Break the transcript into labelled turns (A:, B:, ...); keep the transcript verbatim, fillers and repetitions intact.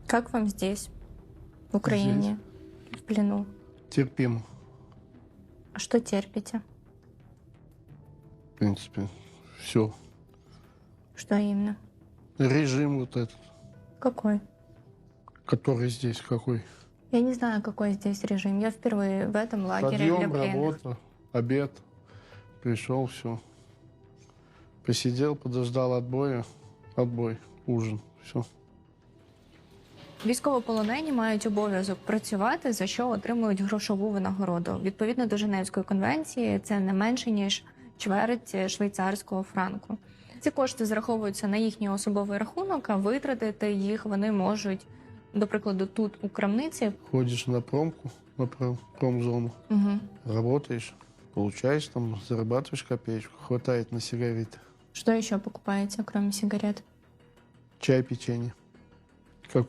A: Как вам здесь, в Украине, в плену?
B: Терпимо,
A: А что терпите?
B: в принципе, все.
A: Что именно?
B: Режим вот этот,
A: Какой?
B: который здесь какой.
A: Я не знаю, какой здесь режим. Я впервые в этом лагере для
B: Подъем,
A: пленных.
B: работа, обед. Пришел, все. Посидел, подождал отбоя. Отбой, ужин, все.
A: Військовополонені мають обов'язок працювати, за що отримують грошову винагороду. Відповідно до Женевської конвенції, це не менше, ніж чверть швейцарського франку. Ці кошти зараховуються на їхній особовий рахунок, а витратити їх вони можуть, до прикладу, тут, у крамниці.
B: Ходишь на промку, на пром- промзону,
A: Угу.
B: работаешь, получаешь там, зарабатываешь копеечку, хватает на сигареты.
A: Что еще покупаете, кроме сигарет?
B: Чай, печенье.